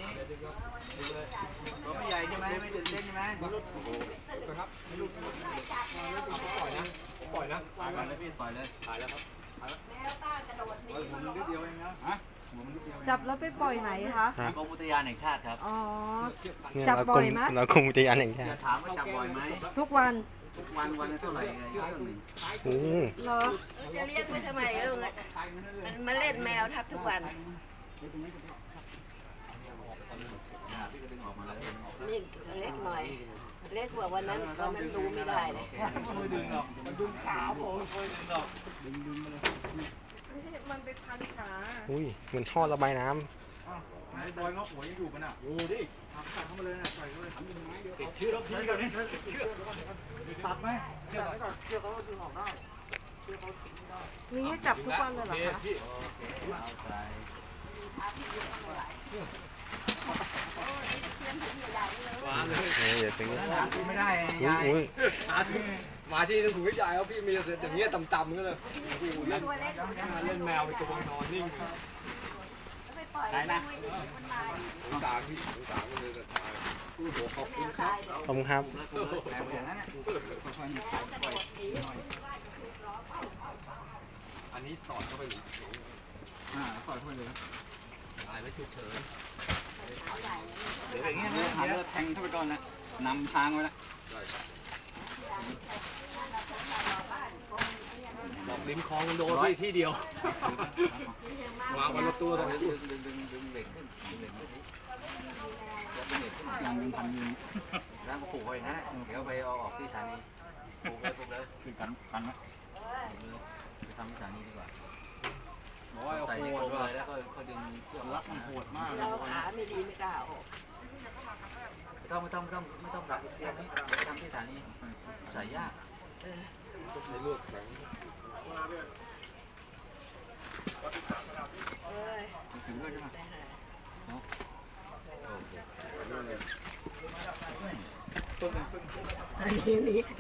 ตัวไม่ใหญ่ใช่ไหมไม่ตื่นเต้นใช่ไหมไม่รุดครับไม่รุดปล่อยนะปล่อยนะปล่อยเลยพี่ปล่อยเลยปล่อยแล้วครับแมวต้ากระโดดหนีผมนิดเดียวเองนะฮะจับแล้วไปปล่อยไหนคะกรมอุทยานแห่งชาติครับอ๋อจับบ่อยไหมเรากรมอุทยานแห่งชาติจะถามว่าจับบ่อยไหมทุกวันวันละเท่าไหร่เรื่องหนึ่งโอ้เหรอจะเรียกไปทำไมลูกมันมาเล่นแมวทับทุกวันนี่เล็กหน่อยเล็กกว่าวันนั้นตอนนั้นดูไม่ได้เลยไม่ดึงหรอกมันดึงขาผมไม่ดึงหรอกดึงมาเลยมันไปพันขาอุ้ยเหมือนท่อระบายน้ำไอ้บอยเงาะหัวยังอยู่กันอ่ะดูดิตัดเข้ามาเลยนะใส่เลยทำยังไงเดี๋ยวติดเชื้อแล้วพี่กันนี่ตัดไหมเชื่อก่อนเชื่อเขาดึงออกได้มีให้จับทุกวันเลยเหรอคะเดี๋ยวถึงไม่ได้ยายมาที่นึงถูกวิจัยแล้วพี่มีเสร็จอย่างเงี้ยต่ำๆก็เลยเล่นแมวไปตัวนอนนิ่งได้นะต่างที่ต่างก็เลยจะตายขอบคุณครับขอบคุณครับอันนี้สอดเข้าไปหรือสอดเข้าไปเลยตายแล้วฉุกเฉินเดี๋ยวอย่างเงี้ยหาเลือดแทงเข้าไปก่อนนะนำทางไว้ละบอกริมคลองโดนพี่ที่เดียววางบนรถตู้ตรงนี้ดึงเหล็กขึ้นเหล็กขึ้นยังดึงพันยืนแล้วก็ผูกไว้นะเดี๋ยวไปเอาออกที่สถานีผูกเลยคือกันนะไปทำที่สถานีดีกว่าใส่ในกรงเลยแล้วก็ดึงเชือกรัดมันโหดมากเราขาไม่ดีไม่กล้าออกไม่ต้องดักเตียงนี้ไปทำที่สถานีใส่ยากใช้ลวดแข็งถึงด้วยใช่ไหมอันนี้